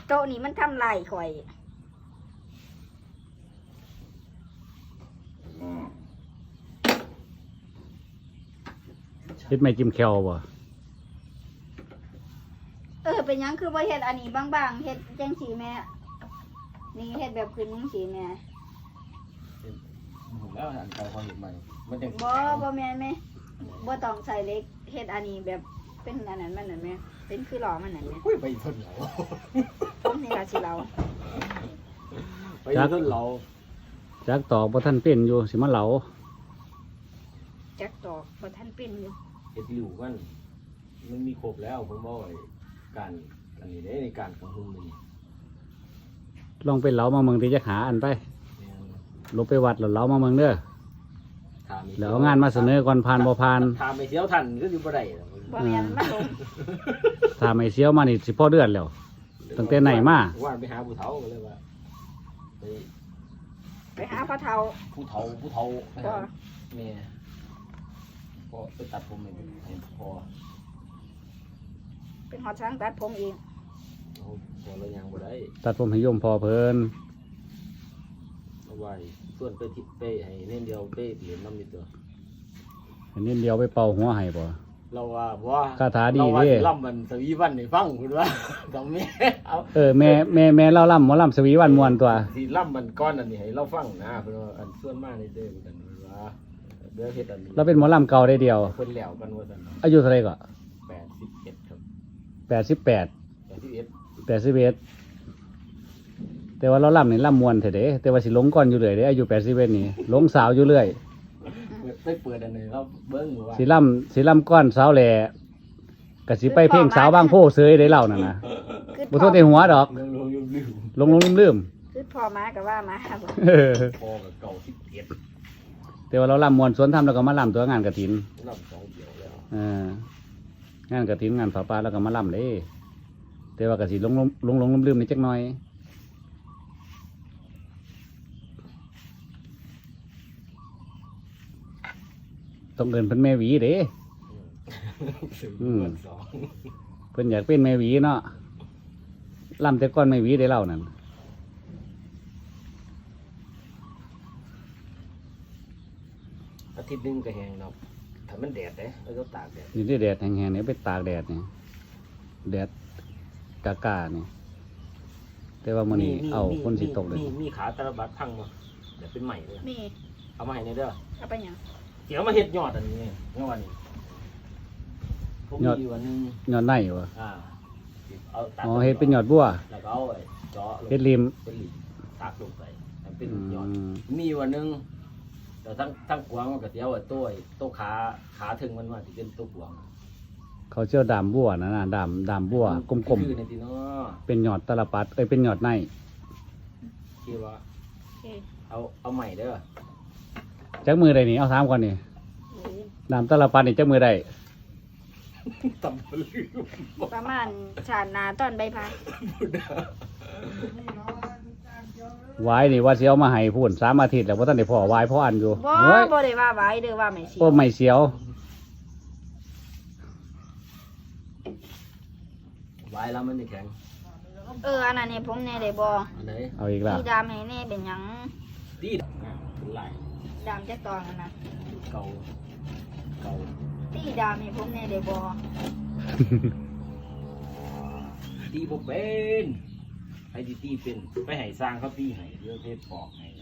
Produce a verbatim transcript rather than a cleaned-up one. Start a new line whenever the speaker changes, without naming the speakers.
โต๊ะนี้มันทำลายข่อย
เฮ็ดไม่จิ้มแควบ่
เออเป็นยังคือบ่เฮ็ดอันนี้บางๆเฮ็ดจังสีแม่นี่เฮ็ดแบบคืนจังสีแม่
ผมแล้วอันเก่าเขาเห็นใหม่มันยัง
บ่บ่แม่นแม่บ่ต้องใส่เล็กเฮ็ดอันนี้แบบเป็นอันนั้นมันนั่นแม่เป็นคือหล่อมันนั่นแม่
อุ้ยไปทนเรา
ผมนี่ล่ะสิเรา
ไปทนเรา
จักตอกบ่ทันเป็นอยู่สิมาเหลา
จักตอกบ่ทันเป็นอยู่
เฮ็ดหลิวกันมันมีครบแล้วผมบอกไอ้การอันนี้ได้ในการกระหุ่มนี่
ลองไปเหลามาเมืองที่จะหาอันไปลบไปวัดแล้วเหลามาเมืองเด้อแล้วเอางานมาเสนอก่อนผ่านบ่ผ่าน
ถามไปเสียวทันก็อยู่บ่ได้
บ่แม่นมันลง
ถ้าไม่เสียวมานี่สิพอเดือนแล้วตั้งแต่ไหนมา
ว่าไปหาผู้เฒ่าก็เลยว่าไป
ไปหาพ่อเฒ่า
ผู้เฒ่าผู้เฒ่าไป
ก็
หาแม่พอไปตัดผมให้ให้พอ
เป็นหอดช้างตัดผมเอง
เอาพอแล้วยังบ่ได้
ตัดผมให้โยมพอเพิ่น
เอาไว้ส่วนไปทิศไปให้เน้นเดียวไปเหรียญน้ำนิดตัว
อันนี้เดียวไปเป่าหัวให้บ่
เราว่าว่า
คาถาดี
เราว่า
เด้
สิล่ำมันสวีวันให้ฟังคุณว่า ต้องแม่เอา
เออแม่แม่แม่เล่าล่ำหมอล่ำสวีวันม่วนตัว
สิล่ำมันก้อนอันนี้ให้เราฟังนะเพิ่นว่าอันส่วนมากนี่เด้อเหมือนกันว่าเด้อเฮ็ดอันนี้
เราเป็นหมอล่ำเก่าได้เดียว
เพิ่นแล้วกันว่าซั่นเนาะ
อายุเท่าไหร่ก็
แปดสิบเอ็ดครับ
แปดสิบแปด
แปดสิบเอ็ด
แปดสิบเอ็ดแต่ว่าเราล่ำนี่ล่ำมวนเถอะเด้แต่ว่าสิหลงก่อนอยู่เลยเด้อายุแปดสิบเอ็ดนี่หลงสาวอยู่เรื่อย
ไปเปิดอันนี้เราเบิ่งว่า
สิล่ำสิล่ำก้อนสาวแหล่ก็สิไปเพ่งสาวบางโพเสยได้เล่านั่นนะ
คือ
บ่โทษในหัวดอก
ลงลงลืมลืม
ลงลงลืม
คือพ่อมาก็ว่ามาบ่
ๆเออ
พอกับเก่าสิบเอ็ด
แต่ว่าเราล่ำมวนสวนทำแล้วก็มาล่ำตัวงานกฐิน
ล่ำสองเดียวแล้ว
เอองานกฐินงานฝาป่าแล้วก็มาล่ำเด้แต่ว่าก็สิลงลงลงลืมๆนิดจักหน่อยต้องเอินเพิ่นแม่หวีเด้ อืม
สอง
เพิ่นอยากเป็นแม่หวีเนาะล่ำแต่ก้อนแม่หวีได้เล่านั่น
อาทิตย์หนึงก็แห้งเนาะถ้ามันแดดเด้แล้วก็ตากแดด
นี่ได้แดดแห้งๆนี่ไปตากแดดนี่แดดกากานี่แต่ว่ามื้อนี้เอาคนสิตกเลย
มีมีขาตะบัดพังบ่เดี๋ยวเป็นใหม่เลย
มี
เอามาให้ในเด้อ
เอาไปหยัง
เดี๋ยวมาเฮ็ดยอดอันนี้เมื่อวันนี้ผมมีอยู่วันหนึง
ยอดในวะ
อ่าเอาตัด
อ๋อเฮ็ดเป็นยอดบัว
แล้วก็เอาไอ้เจาะลง
เฮ็ดริม
เป็นริมตักลงไปให้เป็น
อื
ยอด
ม
มีอยู่วันหนึงแต่ทั้งทั้งกวางมันก็เสียวไอ้ตัวไอ้ตัวขาขาถึงมันว่าที่เป็นตัวกวาง
เขาเชื่อดามบัวนะนะดามดามบัวกลม
คือในที่เนาะ
ๆเป็นยอดตะลปัดเอ้ยเป็นยอดใน
คิดว่า
โอเค
เอาเอาใหม่เด้อ
จักมือใดนี่เอาถามก่อนนี่
นี่
ดามตะลปัดนี่จักมือใด
ตำบลืม
ประมาณชาติหนาตอนใบพาย
วายนี่ว่าสิเอามาให้พูนสามอาทิตย์แล้วบ่ทันได้พอวายพออันอยู่
บ่
เฮ้ย
บ่ได้ว่าไว้เด้อว่าไม่สิ
โอ้ไม่เสียว
ไว้แล้วมันจะแข็ง
เอออันนั้นนี่ผมแน่ได้บ่
อันไหน
เอาอีกแล้ว
มีดามให้แน่เป็นหยัง
ดีดอ่ะเป็นไหล
ดามจักตอนนั่นน่ะ
เก่าเก่า
ตีดามให้ผมแน่ได้บ่
ตีบ่เป็นให้ตีตีเป็นไปให้สร้างเขาตีให้เรื่องเพชรปอกให้